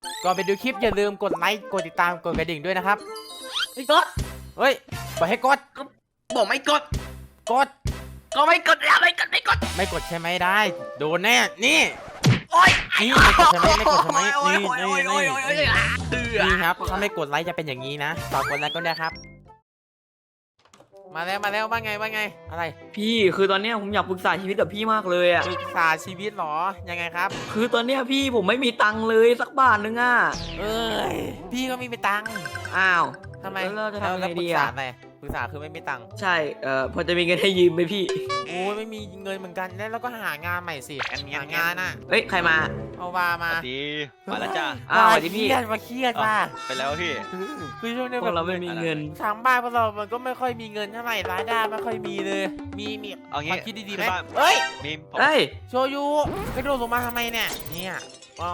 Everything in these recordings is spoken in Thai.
ก่อนไปดูคลิปอย่าลืมกดไลค์กดติดตามกดกระดิ่งด้วยนะครับไม่กดเฮ้ยบอกให้กดบอกไม่กดกดก็ไม่กดแล้วไม่กดไม่กดไม่กดใช่ไหมได้โดนแน่นี่โอ๊ยนี่ไม่กดใช่ไหมไม่กดใช่ไหมโอ๊ยนี่โอ๊ยนี่โอ๊ยนี่โอ๊ยโอ๊ยโอ๊ยเตือนี่ครับถ้าไม่กดไลค์จะเป็นอย่างนี้นะฝากกดไลค์ก็ได้ครับ มาแล้วว่าไงอะไรพี่คือตอนเนี้ยผมอยากปรึกษาชีวิตกับพี่มากเลยอ่ะปรึกษาชีวิตเหรอยังไงครับคือตอนเนี้ยพี่ผมไม่มีตังค์เลยสักบาทนึงอ่ะเอ้ยพี่ก็มีไปตังค์อ้าวทำไมแล้วเราจะทำยังไงปรึดีกอะษาอะไรปรึกษาคือไม่มีตังค์ใช่พอจะมีเงินให้ยืมไหมพี่โอ้ยไม่มีเงินเหมือนกันแล้วก็หางานใหม่สิหางานอ่ะเฮ้ยใครมาเอาวามาดีมาแล้วจ้าอ้าวสวัสดีพี่มาเครียดว่ะไปแล้วพี่คือช่วงนี้พวแบกบเราไม่มีเงินทางบ้านพวกเรามันก็ไม่ค่อยมีเงินเท่าไหร่รายได้ไม่ค่อยมีเลยมีเอาคงี้วามคิดดีๆไหมขึ้นบ้านเฮ้ยมีผมเฮ้ยโชยุกระโดดลงมาทำไมเนี่ยเนี่ยเอา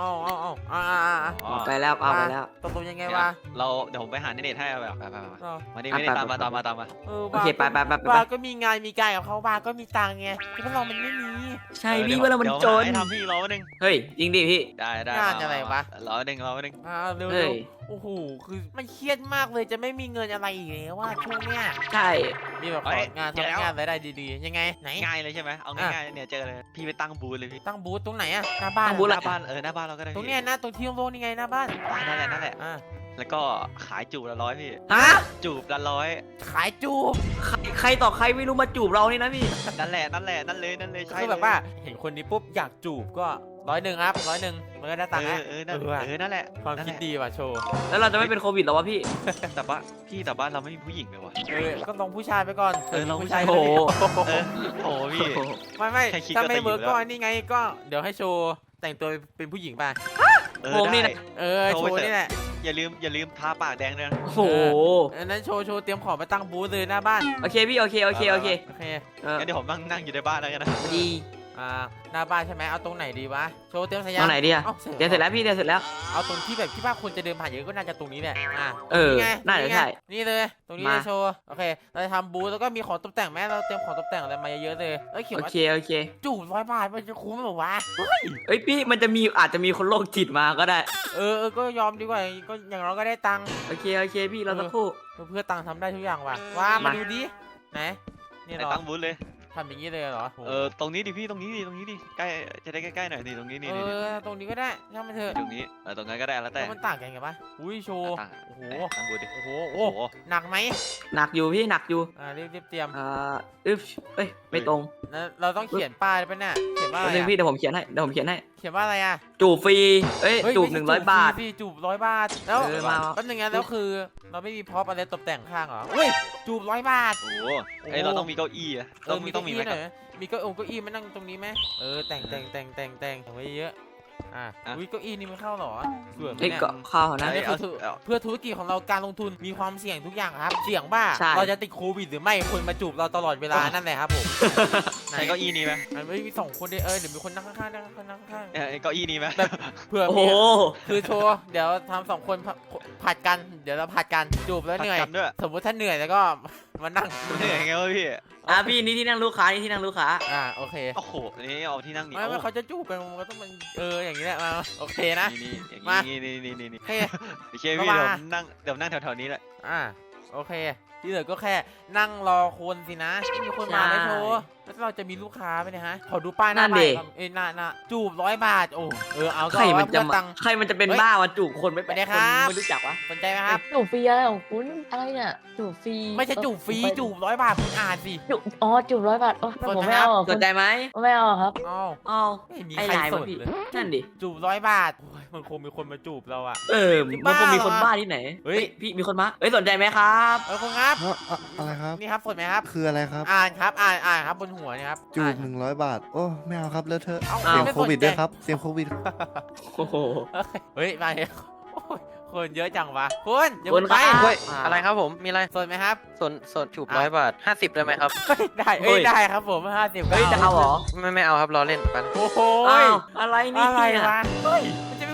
อ๋อไปแล้วเอาไปแล้วตกลงยังไงเนี่ยวะเดี๋ยวผมไปหาเน็ตให้เอาแบบไปเออมาดิไปไม่ได้ไปตามมาไปตามมาตามมาโอเคไปบาก็มีงานมีการกับเขาบาก็มีตังค์ไงแต่พวกเรามันไม่มีใช่พี่ว่าเรามันจนให้ทำพี่รอหนึ่งเฮ้ยจริงดิพี่ได้งานอะไรวะรอหนึ่งเร็วเฮ้ยโอ้โหคือมันเครียดมากเลยจะไม่มีเงินอะไรอีกแล้วว่าช่วงเนี้ยใช่มีแบบของานทำงานรายได้ดีๆยังไงไหนง่ายเลยใช่ไหมเอาง่ายๆเนี่ยเจอเลยพี่ไปตั้งบูธเลยพี่ตั้งบูธตรงไหนอะหน้าบ้านตั้งบูธหน้าบ้านหน้าบ้านเราก็ได้ตรงเนี้ยนะตรงที่โล่งๆนี่ไงหน้าบ้านนั่นแหละอ่าแล้วก็ขายจูบละ100พี่ฮะจูบละ100 ขายจูใครต่อใครไม่รู้มาจูบเรานี่นะพี่นั่นเลยใช่คือแบบว่าเห็นคนนี้ปุ๊บอยากจูบก็100ครับ100มันก็ได้ตังค์แล้วนั่นแหละความคิดดีว่ะโชว์แล้วเราจะไม่เป็นโควิดหรอวะพี่แต่บ้านเราไม่มีผู้หญิงเลยวะก็ลองผู้ชายไปก่อนลองผู้ชายโอ้โหโอ้พี่ไม่แค่คิดถ้าก็ไม่จะอยู่เวิร์กแล้วก็นี่ไงก็เดี๋ยวให้โชว์แต่งตัวเป็นผู้หญิงไปผมนี่ได้นะโชว์นี่แหละอย่าลืมทาปากแดงด้วยนะโอ้โหอันนั้นโชว์เตรียมของไปตั้งบูธเลยหน้าบ้านโอเคพี่โอเคโอเคงั้นเดี๋ยวผมนั่งอยู่ในบ้านแล้วกันนะดีหน้าบ้านใช่ไหมเอาตรงไหนดีวะโชว์เตรียมสัญญาตรงไหนดีอะเดี๋ยวเสร็จแล้วพี่เดี๋ยวเสร็จแล้วเอาตรงที่แบบที่ว่าคนจะเดินผ่านเยอะก็น่าจะตรงนี้แหละไงน่าจะใช่นี่เลยตรงนี้เลยโชว์โอเคเราจะทำบูธแล้วก็มีของตกแต่งไหมเราเตรียมของตกแต่งอะไรมาเยอะเลยเขียนโอว่าเคจูบ100 บาทมันจะคุ้มหรอวะเอ้ยพี่มันจะมีอาจจะมีคนโรคจิตมาก็ได้ก็ยอมดีกว่าก็อย่างเราก็ได้ตังค์โอเคพี่เราสักครู่เพื่อตังค์ทำได้ทุกอย่างว่ะว่ามาดูดิไหนนี่เหรอตั้งบูธเลยทำอย่างนี้เลยเหรอตรงนี้ดิพี่ตรงนี้ดิใกล้จะได้ใกล้ๆหน่อยดิตรงนี้นี่ตรงนี้ก็ได้ช่างมันเถอะตรงนี้ตรงนั้นก็ได้แล้วแต่มันต่างกันไงปะอุ้ยโชว์ โอ้โหตั้งบูธดิโอ้โหโอ้โหหนักไหมหนักอยู่พี่หนักอยู่รีบเตรียมอึ๊บเอ้ยไม่ตรงเราต้องเขียนป้ายไปเนี่ยเขียนว่าอะไรนึงพี่เดี๋ยวผมเขียนให้เขียนว่าอะไรอ่ะจูบฟรีเอ้ยจูบ100 บาทพี่จูบ100 บาทแล้วมาแป๊บนึงนะแล้วคือเราไม่มีพร็อพอะไรตกแต่งข้างเหรอเฮ้ยจูบ100 บาทโอ้โหเราต้องมีเก้าอี้อะต้องมีไหมหน่อยมีเก้าอี้มานั่งตรงนี้ไหมแต่งไว้เยอะอุ้ยเก้าอี้นี่มันเข้าเหรอสวยไหมเอ้ยเนี่ยก็เข้านะเพื่อธุรกิจของเราการลงทุนมีความเสี่ยงทุกอย่างครับ เสี่ยงว่าใช่เราจะติดโควิดหรือไม่คนมาจูบเราตลอดเวลานั่นแหละครับผมใช้เก้าอี้นี้ไหมมันไม่มี2 คนเดี๋ยวมีคนนั่งข้างๆนั่งข้างเก้าอี้นี้ไหมเผื่อโอ้โหมีคือโชว์เดี๋ยวทำ2 คนผัดกันเดี๋ยวเราผัดกันจูบแล้วเหนื่อยกันด้วยสมมติถ้าเหนื่อยแล้วก็มานั่งเหนื่อยไงวะพี่พี่นี่ที่นั่งลูกค้านี่ที่นั่งลูกค้าโอเคโอ้โหนี่เอาที่นั่งนี่ไม่เขาจะจูบกันมันก็ต้องมันอย่างนี้แหละมาโอเคนะนี่มานี่โอเคโอเคพี่เดี๋ยวนั่งแถวๆนี้แหละโอเคที่เหลือก็แค่นั่งรอคนสินะไม่มีคนมาเลยโชว์แล้วเราจะมีลูกค้าไหมเนี่ยฮะขอดูป้ายหน้าบ้านหน้าจูบ100 บาทโอ้เอาก็ใครมันจะตังค์ใครมันจะเป็นบ้ามาจูบคนไม่ไปเลยครับไม่รู้จักวะสนใจไหมครับจูบฟรีอะไรของคุณอะไรเนี่ยจูบฟรีไม่ใช่จูบฟรีจูบ100 บาทคุณอ่านสิจูบ100 บาทโอ้สนผมไหมไม่เอาอ่ะสนใจไหมไม่เอาครับอ้าวอ้าวไม่มีไอ้ใครลายสวะนพี่เลยนั่นดิจูบ100 บาทโอ้ยมันคงมีคนมาจูบเราอะมันคงมีคนบ้าเหรอบ้าที่ไหนเฮ้ยพี่มีคนมาสนใจไหมครับคุณครับอะไรครับนี่ครับสนไหมครับคืออะไรครับอ่านครับอ่านครับบนหัวเนี่ยครับจูอ่าบน 100 บาท โอ้ ไม่เอาครับเลอะเทอะเอาเสียงไม่โควิดสนใจด้วยครับ เสียงโควิดโอ้โหเฮ้ยมาเนี่ยโอ้ยคนเยอะจังวะคุณอย่าคนไปครับเฮ้ยอะไรครับผม มีอะไรสนไหมครับส่วนจูบ100 บาท 50ได้ไหมครับได้ครับผม50 เฮ้ยจะเอาเหรอไม่เอาครับรอเล่นไปโอ้โหอ้าวอะไรนี่อะไรวะเฮ้ยมันจะเป็น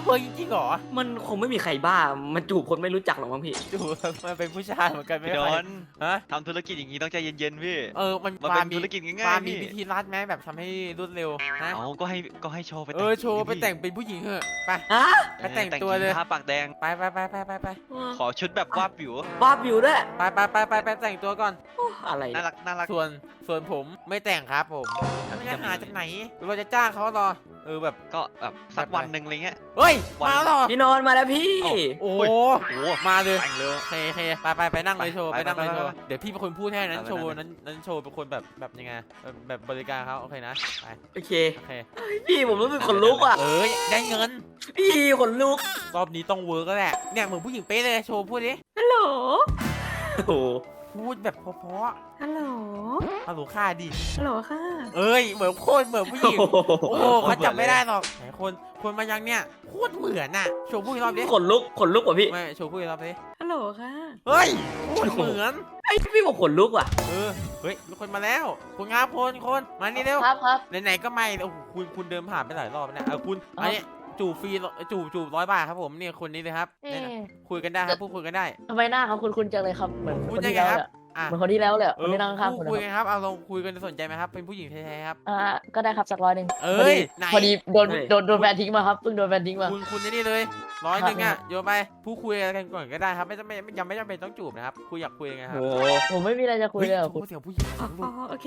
เฮ้ยจริงเหรอมันคงไม่มีใครบ้ามันจูบคนไม่รู้จักหรอกมั้งพี่จูบมันเป็นผู้ชายเหมือนกันไม่พี่ได้ดอนฮะทำธุรกิจอย่างนี้ต้องใจเย็นๆพี่มันมันเป็นธุรกิจง่ายๆมีพี่วิธีรัดไหมแบบทำให้รวดเร็วนะเอาก็ให้โชว์ไปโชว์ไปแต่งเป็นผู้หญิงเถอะไปฮะไปแต่งตัวเลยทาปากแดงไปขอชุดแบบวาบวิวบ้าบิวด้วยไปแต่งตัวก่อนโอ้อะไรน่ารักน่ารักส่วนผมไม่แต่งครับผมไม่จะหาจากไหนเราจะจ้างเขาหรอแบบก็แบบสักวันหนึ่งอะไรเงี้ยเฮ้ยวันมาหรอพี่นอนมาแล้วพี่โอ้โอ้โหโหมาเลยแต่งเลยโอเคไปนั่งเลยโชว์ไปไปนั่งเลยโชว์ไปเดี๋ยวพี่เป็นคนพูดให้นั้นไปโชว์ไปนั้นโชว์เป็นคนแบบยังไงแบบบริการเขาโอเคนะไปโอเคโอเคพี่ผมรู้สึกขนลุกอ่ะได้เงินพี่ขนลุกรอบนี้ต้องเวิร์กแล้วแหละเนี่ยเหมือนผู้หญิงเป๊ะเลยโชว์พูดดิฮัลโหลโอ้โหพูดแบบเพราะฮัลโหลๆฮัลโหลค่าดิฮัลโหลค่ะเหมือนโคตรเหมือนผู้หญิงโอ้โหเขาจำไม่ได้หรอกไหนคนมายังเนี่ยโคตรเหมือนน่ะโชว์พูดอีกรอบดิขนลุกว่ะพี่ไม่โชว์พูดอีกรอบดิฮัลโหลค่ะเฮ้ยโคตรเหมือนไอ้พี่บอกขนลุกว่ะเฮ้ยมีคนมาแล้วคุณครับคนมานี่เร็วครับไหนๆก็ไม่โอ้โหคุณเดินผ่านไปหลายรอบแล้วเนี่ยคุณอันนี้จูบฟรีจูบ100 บาทครับผมเนี่ยคนนี้เลยครับเอ๊เนี่ยะคุยกันได้ครับพูดคุยกันได้ทำไมหน้าเขาคุ้นๆจังเลยครับเหมือนคุคณนยังที่ไงแล้วครับเลยอ่ะเหมือนคนที่แล้วเลยคนที่นั่งข้างๆคุณคุยนะกันครับเอาลองคุยกันสนใจไหมครับเป็นผู้หญิงแท้ๆครับก็ได้ครับสัก100 เพออ้ยดีไหนพอดีโดนแฟนทิ้งมาครับเพิ่งโดนแฟนทิ้งมาคุณนี่เลย100อ่ะโยนไปผู้คุยกันก่อนก็ได้ครับไม่ยังไม่จำเป็นต้องจูบนะครับคุยอยากคุยยังไงครับโอ้ผมไม่มีอะไรจะคุยเลยกับคุณเสียงผู้หญิงอ๋อโอเค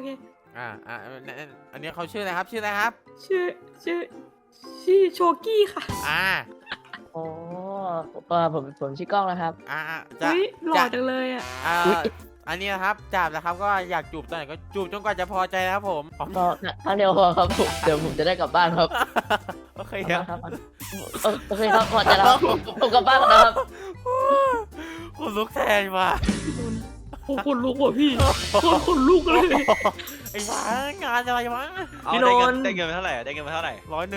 อันนี้เขาชื่ออะไรครับชื่ออะไรครับชื่อโชกี้ค่ะอ่าอ๋อผมชื่อกล้องนะครับจะอุ้ยหล่อจังเลยอ่ะอันนี้นะครับจับนะครับก็อยากจูบตอนไหนก็จูบจนกว่าจะพอใจนะครับผมก็ครั้งเดียวพอครับผมเดี๋ยวผมจะได้กลับบ้านครับโอเคครับโอเคครับพอใจแล้วครับผมกลับบ้านแล้วนะครับคุณลุกแทนว่ะผมขนลุกว่ะพี่ขนลุกเลยไอ้หวางานอะไรวะเอาพี่ได้นเงินนได้เงินไปเท่าไหร่ได้เงินไปเท่าไหร่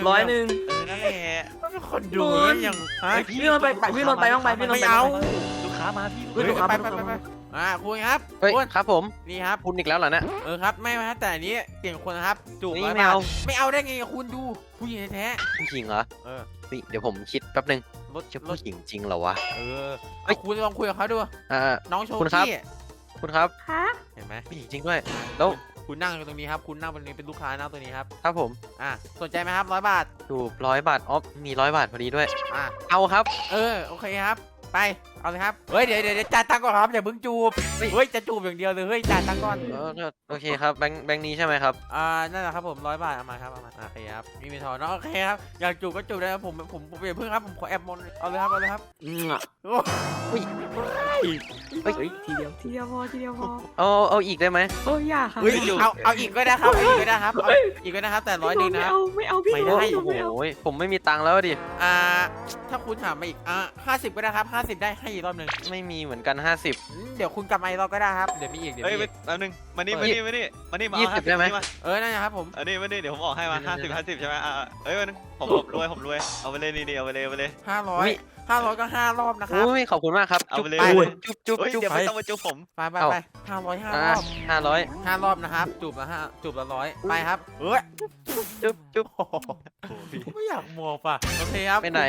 100 นั่นแหละคนดูอย่างฮะพี่นนท์ไปพี่นนท์ไปบ้างไปพี่นนท์ไม่ไปเอาลูกค้ามาพี่เฮ้ยลูกค้าไปคุณครับเฮ้ยคุณครับผมนี่ครับคุณอีกแล้วเหรอเนี่ยครับไม่ครับแต่อันนี้เปลี่ยนคนนะครับจูบนี่ 100 ไม่เอาบาทไม่เอาได้ไงคุณดูผู้หญิงแท้ผู้หญิงเหรอๆนี่เดี๋ยวผมคิดแป๊บนึงรถจะรผู้ถหญิงจริงเหรอวะเอาคุณลองคุยกับเขาดูอ่าน้องโชคุณครับกี้คุณครับฮะเห็นไหมผู้หญิงจริงด้วย แล้วคุณนั่งอยู่ตรงนี้ครับคุณนั่งตรงนี้เป็นลูกค้านั่งตรงนี้ครับครับผมสนใจไหมครับ100 บาทจูบ100 บาทอ๋อมี100 บาทพอดีด้วยอ่ะเอาครับโอเคครับไปเอาเลยครับเฮ้ยเดี๋ยวจ่ายตังค์ก่อนครับอย่าเพิ่งจูบเฮ้ยจะจูบอย่างเดียวเลยเฮ้ยจ่ายตังค์ก่อนโอเคครับแบงค์นี้ใช่ไหมครับนั่นแหละครับผม100 บาทเอามาครับเอามาโอเคครับมีทอนเนาะโอเคครับอยากจูบก็จูบได้ครับผมอย่าเพิ่งครับผมขอแอบมนเอาเลยครับ โอ้เฮ้ยเฮ้ยทีเดียวพอเอาอีกได้ไหมโอ้ยอย่าค่ะเฮ้ยเอาอีกก็ได้ครับเอาอีกก็ได้ครับเอาอีกก็ได้ครับแต่100 นึงนะครับไม่เอาพี่ไม่ได้โอ้โหผมไม่มีตังค์แล้วดิถ้าคุณถามมาอีก50ก็ได้ครับ50ได้ให้อีกรอบหนึงไม่มีเหมือนกันเดี๋ยวคุณกลับมาอีกรอบก็ได้ครับเดี๋ยวมีอีกเฮ้ยแป๊บนึงมานี่มาเอา 20ได้ไหมนั่นนะครับผมอันนี้มานี่เดี๋ยวผมออกให้มา50ใช่ไหมเอ้ยวันผมรวยเอาไปเลยนี่เอาไปเลย 500ก็5 รอบนะครับโอ้ยขอบคุณมากครับเอาไปเลยจุ๊บเฮ้ยจุ๊บเดี๋ยวไม่ต้องมาจุ๊บผมไปเอ้า 500 5 รอ่าอบ 500 5 รอบนะครับจูบละ100ไปครับจุ๊บโอ้โหไม่อยากมองป่ะโอเคครับไปไหน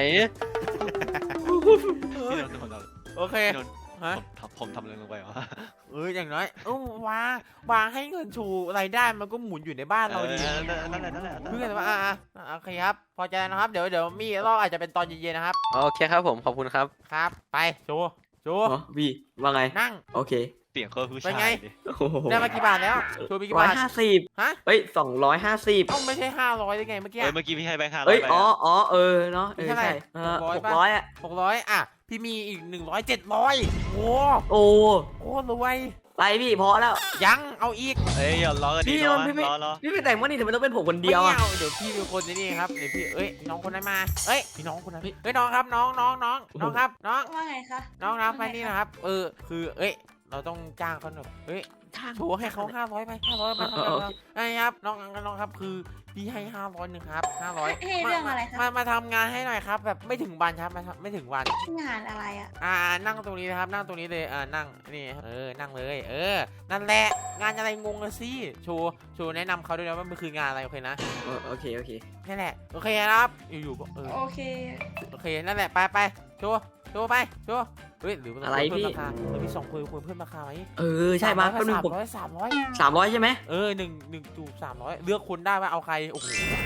พี่นนท์ผมโอเคพี่นนท์ฮะผมทำอะไรลงไปวะอย่างน้อยวางให้เงินชูรายได้มันก็หมุนอยู่ในบ้านเราดีนั่นแหละเพื่อนว่าโอเคครับพอใจนะครับเดี๋ยวมีรอบอาจจะเป็นตอนเย็นๆนะครับโอเคครับผมขอบคุณครับครับ ไปโชว์อ๋อพี่ว่าไงนั่งโอเคเสียงเขาผู้เป็นชาไงยดิโอ้โหได้มากี่บาทแล้วโชว์มีกี่ร้อยบาท 50 ฮะเฮ้ย250 เอ้าไม่ใช่500ได้ไงเมื่อกี้เมื่อกี้พี่ให้แบงค์500 เอ้ยไปอ๋อเนาะเท่าไหร่ใช่ 600 600อ่ะ 600พี่มีอีก100 700โอ้โอ้โหรวยไปพี่พอแล้วยังเอาอีกเอ้ยอย่าล้อกันดิพี่นนท์พี่ไม่ล้อพี่ไปแต่งว่านี่ทำไมต้องเป็นผมคนเดียวไม่อ่ะเอาเดี๋ยวพี่เป็นคนนี่ครับเดี๋ยวพี่น้องคนนั้นมาพี่น้องคนนั้นพี่น้องครับน้องครับน้องว่าไงคะน้องครับไปนี่นะครับคือเราต้องจ้างเขาหน่อยเฮ้ยช่างโชว์ให้เขา500ไป500ไปเออไอ้ครับน้องครับคือพี่ให้500นึงครับ500 ให้เรื่องอะไรครับมาทำงานให้หน่อยครับแบบไม่ถึงวันครับไม่ถึงวันงานอะไรอ่ะนั่งตรงนี้นะครับนั่งตรงนี้เลยนั่งนี่นั่งเลยนั่นแหละงานอะไรงงเลยสิโชว์แนะนำเขาด้วยนะว่ามันคืองานอะไรโอเคนะโอเคโอเคนั่นแหละโอเคนะครับอยู่ๆก็โอเคโอเคนั่นแหละไปโชว์ไปโชว์เฮ้ยหรือว่าอะไรเพิ่มพี่ราคามี2 คนควรเพิ่มราคาไหมใช่มาแป๊บนึงผม 300 300ใช่ไหมหนึ่งจูบ300เลือกคนได้ว่าเอาใครโอ้โห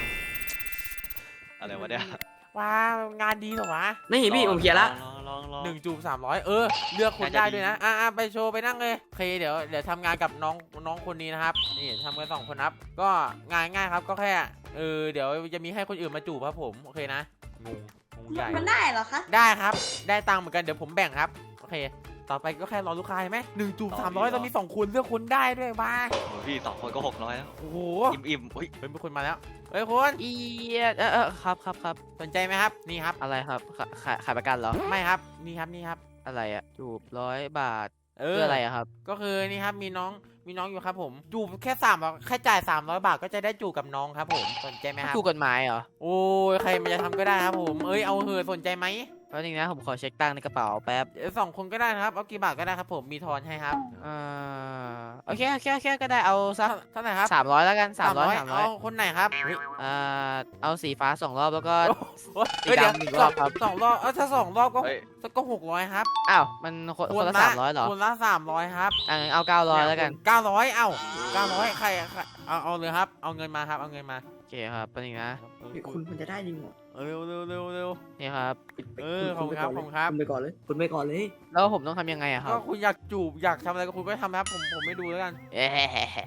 อะไรวะเนี่ยว้างานดีเหรอวะนี่พี่ผมเคลียร์ละลอง 1จูบ300เลือกคนได้ด้วยนะไปโชว์ไปนั่งเลยโอเคเดี๋ยวทำงานกับน้องคนนี้นะครับนี่ทำกัน2 คนครับก็งานง่ายครับก็แค่เดี๋ยวจะมีให้คนอื่นมาจูบครับผมโอเคนะงงใหญ่มันได้เหรอคะได้ครับได้ตังค์เหมือนกันเดี๋ยวผมแบ่งครับโอเคต่อไปก็แค่รอลูกค้าใช่ไหม1จูบ300เรามี2 คนเลือกคนได้ด้วยว้าโอ้ยพี่2 คนก็600แล้วโอ้โหอิ่มอุ้ยเฮ้ยมีคนมาแล้วเฮ้ยคุณครับสนใจไหมครับนี่ครับอะไรครับขายประกันเหรอไม่ครับนี่ครับอะไรอะจูบ100 บาทเอเพื่ออะไรอะครับก็คือนี่ครับมีน้องอยู่ครับผมจูบแค่แค่จ่าย300 บาทก็จะได้จูบกับน้องครับผมสนใจไหมครับถูกกฎหมายเหรอโอ้ยใครมันจะทำก็ได้ครับผมเอาเหอะสนใจไหมแป๊บนึงนะผมขอเช็คตังค์ในกระเป๋าแป๊บ 2 คนก็ได้นะครับเอากี่บาทก็ได้ครับผมมีทอนให้ครับโอเคก็ได้เอาสักเท่าไหร่ครับ 300แล้วกัน300 เอาคนไหนครับเฮ้ยเอาสีฟ้า2 รอบแล้วก็เฮ้ยเดี๋ยวสีดำอีกรอบครับสองรอบถ้า2 รอบก็เฮ้ยก็600ครับอ้าวมันคนละ300เหรอคนละ300ครับงั้นเอา900แล้วกัน 900900ใครเอาเลยครับเอาเงินมาครับเอาเงินมาโอเคครับแป๊บนึงนะคุณมันจะได้จริงเหรอเร็วนี่ครับขอบคุณครับคุณไปก่อนเลยคุณไปก่อนเลยแล้วผมต้องทำยังไงอะครัก็บคุณอยากจูบอยากทำอะไรก็คุณก็ทำครับผมไม่ดูแล้วกันเอ๊ะ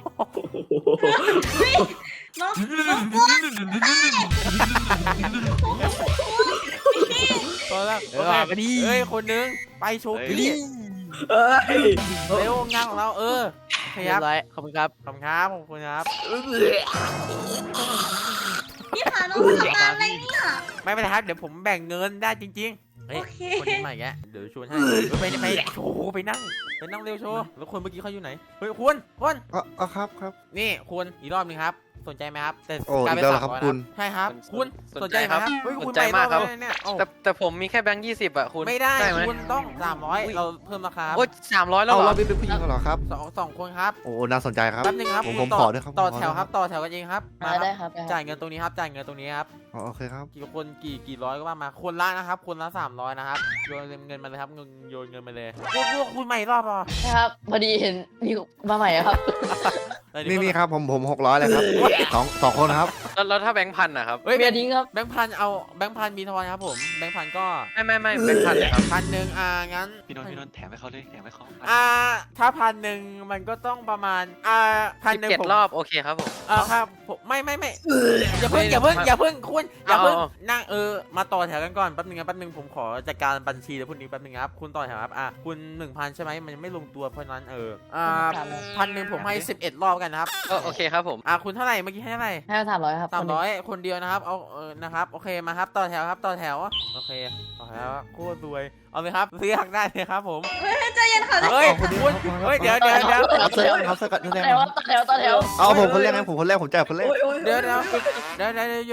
น้องบัวตอนแรกมาดิเฮ้ยคนนึงไปโชว์เฮ้ยพี่เอ้ยเร็วงานของเราโอเคเรีคยรับบร้อยขอบคุณครับขอบคุณครับขอบคุณครับพี่พาน้องมาทำงานอะไรเนี่ยไม่เป็นไรครับเดี๋ยวผมแบ่งเงินได้จริงๆเฮ้ยโอเคคนนี้ใหม่แกเดี๋ยวชวนให้ไปโชว์ไปนั่งเร็วโชว์แล้วคนเมื่อกี้เขาอยู่ไหนเฮ้ยคุณครับนี่คุณอีกรอบนึงครับสนใจไหมครับแต่โอ้กลายเป็นอีกแล้วเหรอครับ 300 คุณใช่ครับคุณสนใจไหมครับเฮ้ยสคุณนใจไปมากครับอบแล้วเนี่ยโอ้แต่ผมมีแค่แบงค์20อะคุณไม่ได้ไหมคุณต้อง300เราเพิ่มราคาโอ้ย300แล้วเอาเหรเราอเป็นผู้หญิงเหรอครับสองคนครับโอ้น่าสนใจครับแป๊บนึงครับผมคุณขอด้วยครับต่อผมขอแถวด้วยครับต่อแถวกันเองครับมาครับได้ครับจ่ายเงินตรงนี้ครับจ่ายเงินตรงนี้ครับโอเคครับกี่คนกี่ร้อยก็ว่ามาคนละนะครับคนละ300นะครับโยนเงินมาเลยครับโยนเงินมาเลยพวกคุณใหม่รอบอ่ะครับพอดีเห็นมีมาใหม่ครับนี่ครับผม600เลยครับสองคนครับแล้วถ้าแบงค์พันอะครับเฮ้ยเบียร์ทิ้งครับแบงค์พันเอาแบงค์พันมีทอนครับผมแบงค์พันก็ไม่แบงค์พันเลยครับ 1,000งั้นพี่นนท์แถมให้เขาเลยแถมให้เขาถ้า1,000มันก็ต้องประมาณ1,000 17 รอบโอเคครับผมครับผมไม่อย่าเพิ่งคุณอย่าเพิ่งนั่งมาต่อแถวกันก่อนแป๊บนึงผมขอจัดการบัญชีแล้วพวกนี้แป๊บนึงครับคุณต่อแถวครับคุณ 1,000ใช่ไหมมันยังไม่ลงตัวเพราะนั้น1,000ผมให้11 รอบกันนะครับโอเคครับผมคุณเท่าไหร่เมื่อกี้ให้เท่าไหร่ให้300ครับ 300คนเดียวนะครับเอานะครับโอเคมาครับต่อแถวครับต่อแถวโอเคต่อแถวโคตรรวยเอาเลยครับเลือกได้เลยครับผมเฮ้ยใจเย็นค่ะเฮ้ยคุณเฮ้ยเดี๋ยวครับเสื้อครับเสื้อกัดนี่แรต่อแถวต่อแถวเอาผมคนแรกนะผมคนแรกผมจ่ายคนแรกเดี๋ยวห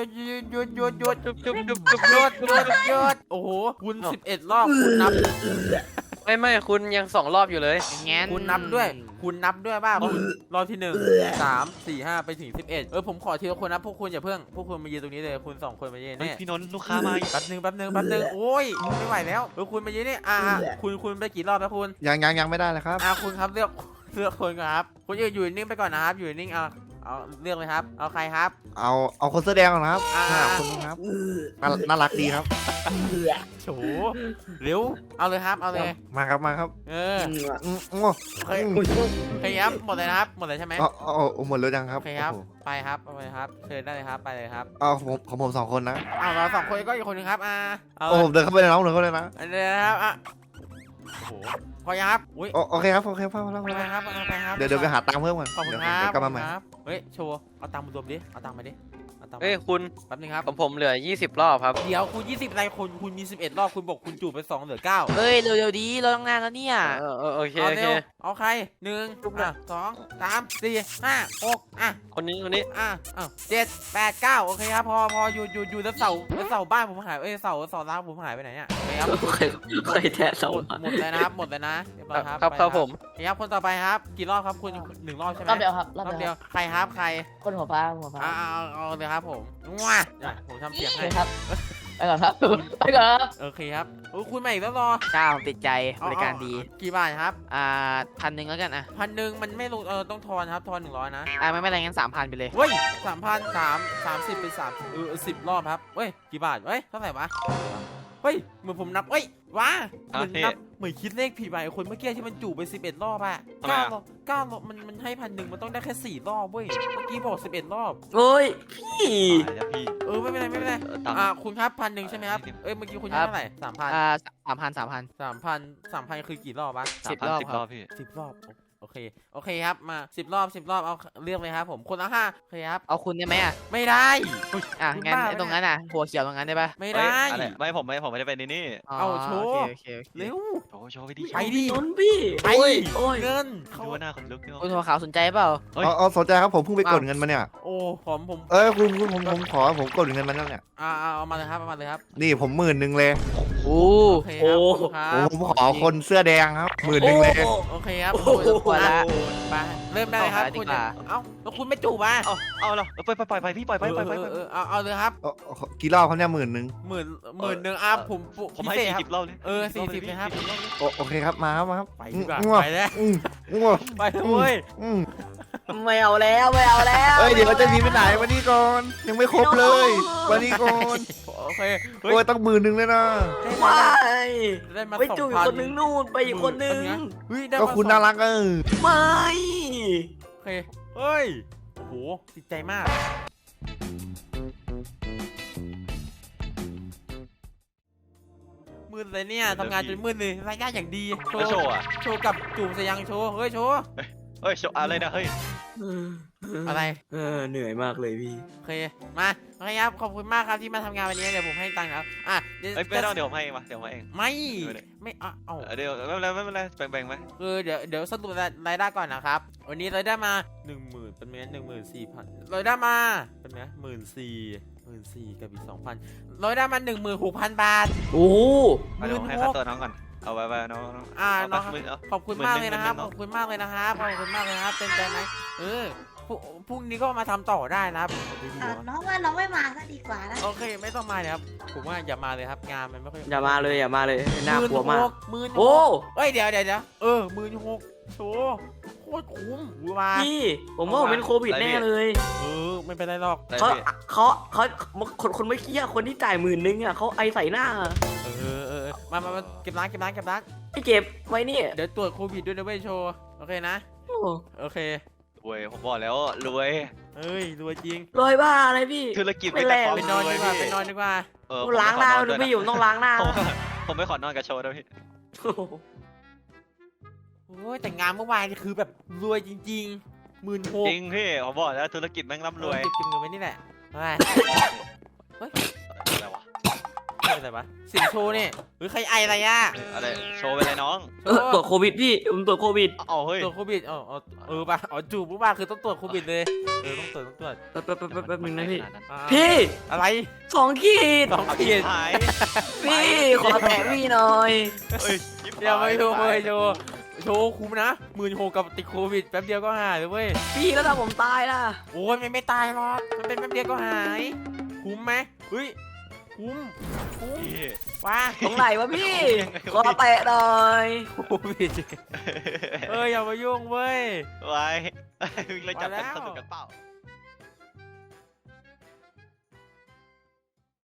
ยุดโอ้โหคุณ11 รอบคุณนับไม่คุณยัง2 รอบอยู่เลยงั้นคุณนับด้วยว่าคุณรอบที่1 3 4 5ไปถึง11ผมขอทีละคนนะพวกคุณอย่าเพิ่งพวกคุณมายืนตรงนี้เลยคุณ2 คนมายืนเฮ้ยเนี่ยพี่นนท์ลูกค้ามาอีกแป๊บนึงโอ้ยไม่ไหวแล้วคุณมายืนนี่คุณไปกี่รอบแล้วคุณยังไม่ได้เลยครับคุณครับเลือกคนก่อนครับคุณอยู่นิ่งไปก่อนนะครับอยู่นิ่งเอาเลือกเลยครับเอาใครครับเอาคนเสื้อแดงก่อนนะครับคนนึงครับน่ารักดีครับโฉเร็วเอาเลยครับเอาเลยมาครับโอเคครับหมดเลยนะครับหมดเลยใช่ไหมหมดแล้วยังครับโอเคครับไปครับไปเลยครับเชิญได้เลยครับไปเลยครับของผม2 คนนะเรา2 คนก็อีกคนนึงครับเอาผมเดินเข้าไปในน้องเลยนะอันนี้นะครับโอ้โหพอยังครับอุ้ยโอเคครับพ่อไปครับเดี๋ยวไปหาตังค์เพิ่มก่อนขอบคุณเดี๋ยวครับกลับมาใหม่เฮ้ยโชว์เอาตังค์มารวมดิเอาตังค์มาดิเอาตามมาเอ้ยคุณแป๊บนึงครับของผมเหลือ 20 รอบครับเดี๋ยวคุณ20อะไรคุณมี11รอบคุณบอกคุณจูบไป2เหลือ9 เฮ้ยเร็วๆดีเราต้องงานแล้วเนี่ยโอเคเอาโอเร็เควเอาใคร1อ่ะ2 3 4 5 6อ่ะคนนี้ 7 8 9โอเคครับพออยู่แล้วเสาบ้านผมหายเสาร้านผมหายไปไหนเนี่ยครับเคยแทะสองหมดเลยนะครับหมดเลยนะเรียบร้อยครับครับไปครับผมครับคนต่อไปครับกี่รอบครับคุณ1รอบใช่ไหมรอบเดียวครับรรออบบ เดีเดียยว วใครครับใครคนหัวฟ้าหัวฟ้าเอาเลยครับผมว้าผมทำเสียงโอให้เคครับไปก่อนครับไปก่อนครับโอเคครับคุณมาอีกแล้วรอเจ้าผมติดใจบริการดีกี่บาทครับ 1,000แล้วกันอ่ะ 1,000มันไม่ลงต้องทอนครับทอน100นะไม่เป็นไรงั้น3,000ไปเลยเฮ้ย3,030เป็น10รอบครับเฮ้ยกี่บาทเฮ้ยเท่าไหร่วะเฮ้ยเหมือนผมนับเฮ้ยว้าเหมือนนับเหมือนคิดเลขผิดไปคนเมื่อกี้ที่มันจูบไป11รอบอะ9รอบมันให้1,000มันต้องได้แค่4รอบเว้ยเมื่อกี้บอก11รอบโอ้ยพี่ตายแล้วพี่ไม่เป็นไรตามคุณครับ1,000ใช่ไหมครับเมื่อกี้คุณให้เท่าไหร่3,000 3,000คือกี่รอบวะ 10 รอบ 10 ครรัอบ บพี่ 10 รอบโอเคครับมา10 รอบเอาเลือกเลยครับผมคนละ5โอเคครับเอาคุณได้ไหมอ่ะไม่ได้งั้นบ้าไอ้ตรงนั้นอ่ะหัวเขียวตรงนั้นได้ปะไม่เฮ้ยได้อะไรไม่ผมไม่ได้เป็นนี่เอาโชว์โอเคเร็วโชว์ไปดิไปดินนพี่ไปโอ้ยโอ้ยเงินดูว่าหน้าคนลุกเนี่ยคุณหัวขาวสนใจเปล่าเฮ้ยเอาสนใจครับผมเพิ่งไปกดเงินมาเนี่ยโอ้ผมผมขอผมกดเงินมาแล้วเนี่ยเอามาเลยครับเอามาเลยครับนี่ผม10,000เลยโอ้โอเคครับขอบคุณครับผมขอคนเสื้อแดงครับ10,000เลยโอเคครับปวดละไปเริ่มได้เลยครับเอาหาดีคุณกว่าแล้วคุณไม่จูบอ่ะเอาเหรอไปพี่ปล่อยไปเอาเลยครับกี่รอบเขาเนี่ย10,000 หมื่นหนึ่งผมผมให้พิเศษครับ 40รอบเลย 40เลยครับโอเคครับมาครับไปดีกว่าง่วงไปแล้วง่วงไปเลยเว้ยไม่เอาแล้วไม่เอาแล้วเอ้ยเดี๋ยวจะหนีไปไหนมานี่ก่อนยังไม่ครบเลยมานี่ก่อนโอเคโอ้ยต้อง10,000เลยนะไม่ได้มาไปจูบอีกคนนึงนู่นไปอีกคนนึงเฮ้ยได้ก็มาคุณน่ารักไม่โอเคเฮ้ยโอ้โหติดใจมากมืดเลยเนี่ยทำงานจนมืดเลยรายได้อย่างดีโชแล้วโชว์ว์อ่ะโชว์กับจูบสยังโชว์เฮ้ยโชว์เฮ้ยโชว์อะไรนะเฮ้ยอะไรเหนื่อยมากเลยพี่โอเคมาโอเคครับขอบคุณมากครับที่มาทำงานวันนี้เดี๋ยวผมให้ตังค์นะครับเดี๋ยวเฮ้ยไม่ต้องเดี๋ยวผมให้เองมาเดี๋ยวผมให้เองไม่เอาเดี๋ยวไม่เป็นไรแบ่งไหมคือเดี๋ยวสรุปรายได้ก่อนนะครับวันนี้รายได้มา 10,000เป็นเงิน14,000รายได้มาเป็นไง14,000กับอีก 2,000รายได้มา 16,000 บาทโอ้เดี๋ยวผมให้ค่าตัวน้องก่อนเอาไว้น้องน้องขอบคุณมากเลยนะครับขอบคุณมากเลยนะครับเต็มใจไหมพรุ่งนี้ก็มาทำต่อได้นะครับน้องว่าน้องไม่มาก็ดีกว่านะโอเคไม่ต้องมาเลยครับผมว่าอย่ามาเลยครับงานมันไม่ค่อยอย่ามาเลยน่ากลัวมาก 16,000 โอ้เอ้ยเดี๋ยว16,000โชว์โคตรคุ้มว่าพี่ผมว่าผมเป็นโควิดแน่เลยไม่เป็นไรหรอกเขาคนไม่เคี้ยคนที่จ่าย10,000อ่ะเขาไอใส่หน้ามาเก็บร้านพี่เก็บไว้นี่เดี๋ยวตรวจโควิดด้วยนะเว้ยโชว์โอเคนะโอเครวยผมบอกแล้วรวยเอ้ยรวยจริงรวยบ้าอะไรพี่ธุรกิจไม่แลกไปนอนดีกว่าล้างหน้าดูพี่อยู่ต้องล้างหน้าผมไม่ขอนอนกับโชว์ด้วยพี่โอ้ยแต่งานเมื่อวานนี่คือแบบรวยจริงๆ16,000 จริงพี่ผมบอกแล้วธุรกิจแม่งร่ำรวยเก็บเงินไว้นี่แหละอะไรอะไรวะอะไรวะสิ่งโชว์นี่ใครไออะไรอ่ะอะไรโชว์ไปเลยน้องตรวจโควิดพี่ผมตรวจโควิดเอาเฮ้ยตรวจโควิดป่ะจูบปุ๊บป่ะคือต้องตรวจโควิดเลยต้องตรวจแป๊บนึงนะพี่อ่าพี่อะไร 2 ขีด 2 ขีดหายพี่ขอแตะพี่หน่อยเฮ้ยอย่าไปโชว์เลยโชว์คุ้มนะ16,000กับติดโควิดแป๊บเดียวก็หายเลยเว้ยพี่แล้วถ้าผมตายล่ะโอ้ยไม่ตายหรอกมันเป็นแป๊บเดียวก็หายคุ้มไหมเฮ้ยคุ้มพี่ว้าตรงไหนวะพี่ ขอแตะหน่อยโควิดอย่ามายุ่งเว้ยไว้เราจับกันสนุกกันเปล่า